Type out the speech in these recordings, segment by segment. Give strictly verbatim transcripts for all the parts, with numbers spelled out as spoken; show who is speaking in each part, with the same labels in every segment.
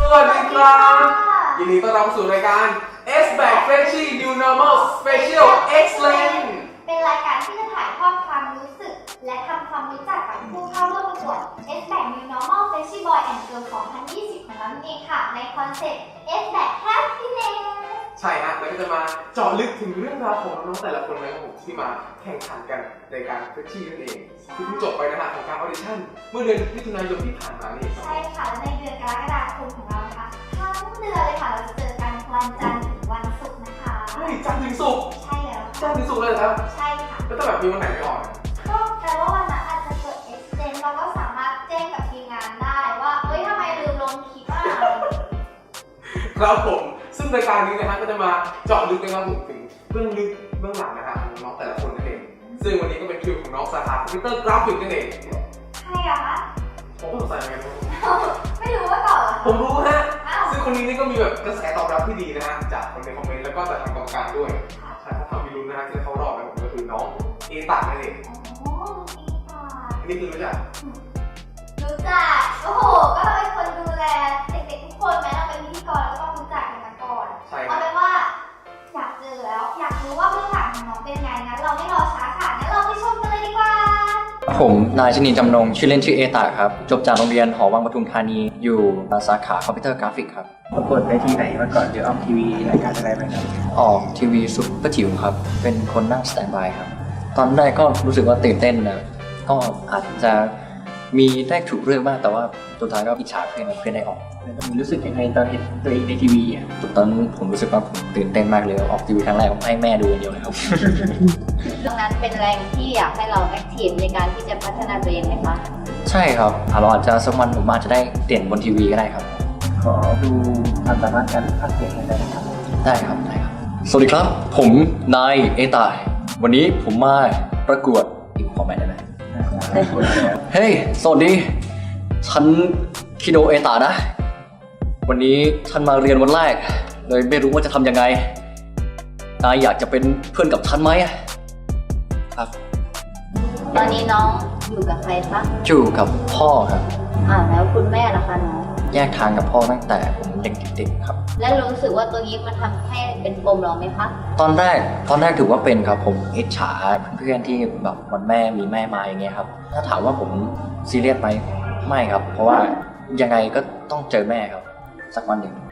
Speaker 1: สวัสดีครับยินดีต้อนรับสู่รายการ S Back Freshie New Normal Special Excellent
Speaker 2: เป็นรายการที่จะถ่ายทอดความรู้สึกและทำความรู้จักกับผู้เข้าร่วมประกวด S Back New Normal Freshie Boy and Girl สองพันยี่สิบ ของเราเองค่ะในคอนเซ็ปต์ S Back Happiness
Speaker 1: ใช่ฮะแล้วก็จะมาเจาะลึกถึงเรื่องราวของน้องแต่ละคนนะครับผมที่มาแข่งขันกันในการเฟรชชี่นั่นเองที่เพิ่งจบไปนะฮะของการออดิชั่นเมื่อเดือนมิถุนายนที่ผ่านมานี่
Speaker 2: ใช่ค่ะและในเดือนกรกฎาคมของเรานะคะทั้งเดือนเลยค่ะเราจะเจอกันวันจันทร์ถึงวันศุกร์นะคะ
Speaker 1: เฮ้ยจันทร์ถึงศุกร์
Speaker 2: ใช่แล้ว
Speaker 1: จันทร์ถึงศุกร์เลยครับ
Speaker 2: ใช่ค่ะ
Speaker 1: แล้วถ้าแบบมีวันไหนไม่ออก
Speaker 2: ก็แปลว่าวันนั้นอาจจะเกิด accident เราก็สามารถแจ้งกับทีมงานได้ว่าเฮ้ยทำไมลืมลงคลิปอ่ะ
Speaker 1: ครับผมซึ่งรายการนี้นะฮะก็จะมาเจาะลึกนะครับผมถึงเบื้องลึกเบื้องหลังนะฮะของน้องแต่ละคนนั่นเองซึ่งวันนี้ก็เป็นคิวของน้องสาขาคอมพิวเตอร์กราฟิกนั่นเอง
Speaker 2: ใช่อะคะ
Speaker 1: ผมก็สงสัยเหมือนกัน
Speaker 2: ไม่รู้ว่าก่อน
Speaker 1: ผมรู้ฮะซึ่งคนนี้นี่ก็มีแบบกระแสตอบรับที่ดีนะฮะจากคนในคอมเมนต์แล้วก็จากทางกรรมการด้วยใช่เขาทำมีลุ้นนะฮะที่เขารอบนะผมก็คือน้องเอตานั่นเอง
Speaker 2: อ๋อเอตา
Speaker 1: นี่คือรู้จัก
Speaker 2: รู้จักโอ้โหก็เราเป็นคนดูแลเด็กๆทุกคนแม้เราเป็นพิธีกรเราก็ต้องรู้จักกันมาก่อนเอาเป็นว่าอยากเจอแล้วอยากรู้ว่าเบื้องหลังของน้องเป็นไงงั้นเราไม่รอช้าค่ะงั้นเราไปชมกันเลยดีกว่า
Speaker 3: ผมนายชนินจำนงชื่อเล่นชื่อเอตาครับจบจากโรงเรียนหอวังปทุมธานีอยู่สาขาคอมพิวเตอร์กราฟิกครับ
Speaker 4: ประกวดไปที่ไหนมาก่อนหรือออกทีวีรายการอะไรไหมครับ
Speaker 3: ออกทีวีซุปเปอร์จิ๋วครับเป็นคนนั่งสแตนด์บายครับตอนแรกก็รู้สึกว่าตื่นเต้นนะก็อาจจะมีได้ถูกเรื่องบ้างแต่ว่าสุดท้ายก็อิจฉาเพื่อนเพื่อนได้ออก
Speaker 4: มีรู้สึกยังไงตอนเห็นตัวเองในทีวีอ่ะ
Speaker 3: ตอนนั้นผมรู้สึกว่าผมตื่นเต้นมากเลยออกทีวีครั้งแรกผมให้แม่ดูอย่างเดียวเลยครับ
Speaker 5: ดังนั้นเป็นแรงที่อยากให้เราแอคทีฟในการที่จะพัฒนาตัวเองไหมคะ
Speaker 3: ใช่ครับเราอาจจะสักวันผมอาจจะได้เด่นบนทีวีก็ได้ครับ
Speaker 4: ขอดูความสามารถการพากย์เสียงได้ไหมครับ
Speaker 3: ได้ครับได้ครับสวัสดีครับผมนายเอตาวันนี้ผมมาประกวดอีกขอแม่ได้ไหมเฮ้ยสวัสดีฉันคิโดเอตานะวันนี้ฉันมาเรียนวันแรกเลยไม่รู้ว่าจะทำยังไงนายอยากจะเป็นเพื่อนกับฉันไหมครับ
Speaker 5: ตอนนี้น้องอยู่กับใครคะ
Speaker 3: อยู่กับพ่อครับ
Speaker 5: อ่าแล้วคุณแม่ล่ะคะน้อง
Speaker 3: แยกทางกับพ่อตั้งแต่ผมเด็กๆครับ
Speaker 5: แล้วรู้สึกว่าตัวนี้มันทำให้เป็นปมเราไหมคะ
Speaker 3: ตอนแรกตอนแรกถือว่าเป็นครับผมอิจฉาเพื่อนๆที่แบบวันแม่มีแม่มาอย่างเงี้ยครับถ้าถามว่าผมซีเรียสไหมไม่ครับเพราะว่ายังไงก็ต้องเจอแม่ครับสักวันหนึ่ง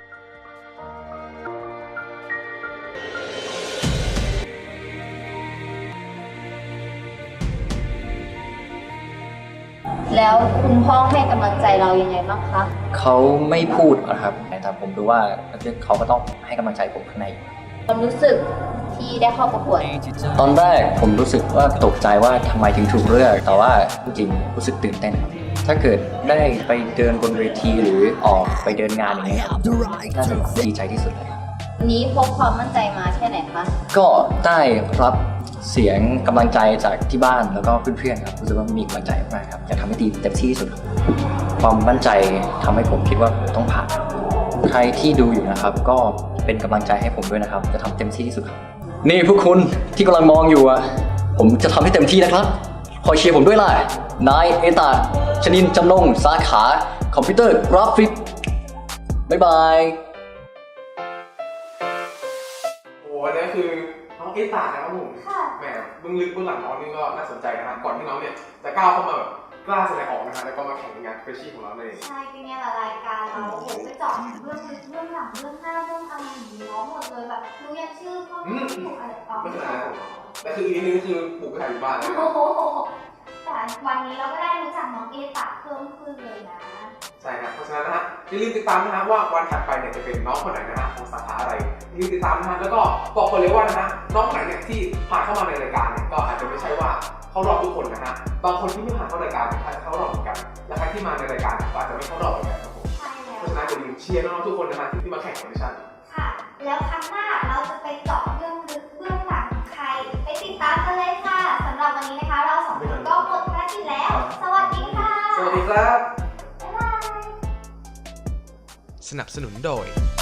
Speaker 5: แล้วคุณพ่อให้กำลังใจเรายังไงบ้างคะ
Speaker 3: เขาไม่พูดนะครับแต่ผมรู้ว่าเขาก็ต้องให้กำลังใจผมข้างใน
Speaker 5: ความรู้สึกที่ได้เข้าประกวด
Speaker 3: ตอนแรกผมรู้สึกว่าตกใจว่าทำไมถึงถูกเลือกแต่ว่าจริงๆรู้สึกตื่นเต้นครับถ้าเกิดได้ไปเดินบนเวทีหรือออกไปเดินงานอย่างเงี้ยน่าจะดีใจที่สุดเลย
Speaker 5: นี้พกความมั่นใจมาแค่ไหนคะ
Speaker 3: ก็ได้รับเสียงกำลังใจจากที่บ้านแล้วก็เพื่อนๆครับรู้สึกว่ามีกำลังใจมากครับอยากทำให้ดีเต็มที่ที่สุดความมั่นใจทำให้ผมคิดว่าต้องผ่านใครที่ดูอยู่นะครับก็เป็นกำลังใจให้ผมด้วยนะครับจะทำเต็มที่ที่สุดครับนี่พวกคุณที่กำลังมองอยู่อ่ะผมจะทำให้เต็มที่นะครับคอยเชียร์ผมด้วยล่ะนายเอตาชนินจำนงสาขาคอมพิวเตอร์กราฟิกบ๊ายบาย
Speaker 1: โอ้อันนี้คือน้องเอตานะครับผมแหมเบื้องลึกเบื้องหลังน้องนี่ก็น่าสนใจนะครับก่อนที่น้องเนี่ยจะก้าวเข้ามาแบบกล้าแสดงออกนะครับแล้วก็มาแข่งงานเฟรชชี่ของเราเลย
Speaker 2: ใช่เป็นไงล่ะรายการเราโอ้โหไปเจาะเรื่องลึกเรื่องหลังเรื่องหน้าเรื่องอะไรอย่างนี้น้องหมดเลยแบบรู้ยันชื่อพ่อแม่ถูกอะไรต่อ
Speaker 1: ไม่ขนาดนั้นแต่คืออีกนิดนึงคือปลูกกระถางอยู่บ้านเลย
Speaker 2: แต่วันนี้เราก็ได้รู้จักน้องเอตาเพิ่มขึ้นเลยนะ
Speaker 1: ใช่ครับเพราะฉะนั้นนะฮะอย่าลืมติดตามนะฮะว่าวันถัดไปเนี่ยจะเป็นน้องคนไหนนะฮะของสาขาอะไรอย่าลืมติดตามนะฮะแล้วก็บอกคนเลยว่านะฮะน้องไหนเนี่ยที่ผ่านเข้ามาในรายการเนี่ยก็อาจจะไม่ใช่ว่าเขารอบทุกคนนะฮะบางคนที่ไม่ผ่านเข้ารายการอาจจะเข้ารอบเหมือนกันและใครที่มาในรายการก็อาจจะไม่เข้ารอบเหมือนกันครับผมเพราะฉะนั้นอย่าลืมเชียร์น้องๆทุกคนนะฮะที่มาแข่งออดิชั่น
Speaker 2: ค่ะแล้วครั้งหน้าเราจะไปเจาะเรื่องลึกเบื้องหลังใครไปติดตามกันเลยค่ะสำหรับวันนี้นะคะเราสองคนก็หมดภารกิจแล้วสวัสดีค่ะ
Speaker 1: สวัสดีครับ
Speaker 2: บ๊ายบาย
Speaker 6: สนับสนุนโดย